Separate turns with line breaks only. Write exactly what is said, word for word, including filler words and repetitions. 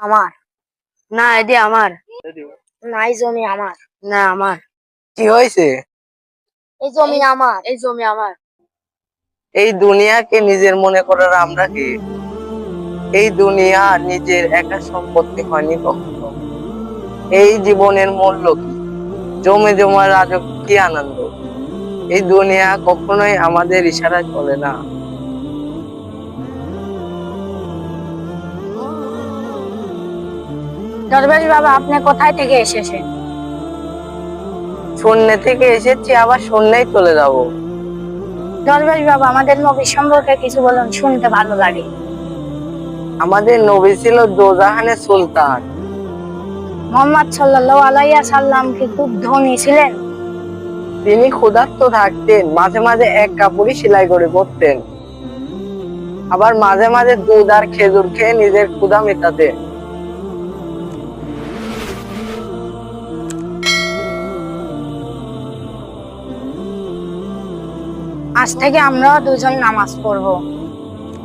আমার।
না এটি আমার।
না এই জমি আমার।
না আমার।
কি হয়েছে?
এই জমি আমার।
এই জমি আমার।
এই দুনিয়াকে নিজের মনে করার আমরা কি? এই দুনিয়া নিজের একা সম্পত্তি হয়নি কখনো। এই জীবনের মূল্য কি? জমে জমা রাজক কি আনন্দ। এই দুনিয়া কখনোই আমাদের ইশারায় চলে না।
দরবেশ বাবা, আপনি কোথায় থেকে এসেছেন?
শূন্য থেকে এসেছি, আবার শূন্যেই চলে যাব।
দরবেশ বাবা, আমাদের নবী সম্পর্কে কিছু বলুন, শুনতে ভালো লাগে।
আমাদের নবী ছিল দোজাহানের সুলতান।
মোহাম্মদ সাল্লাল্লাহু আলাইহি সাল্লাম কি খুব ধনী ছিলেন?
তিনি ক্ষুধার্ত থাকতেন, মাঝে মাঝে এক কাপড়ই সেলাই করে পরতেন। আবার মাঝে মাঝে দুধ আর খেজুর খেয়ে নিজের ক্ষুধা মেটাতেন।
আজ থেকে আমরা দুজন নামাজ পড়বো।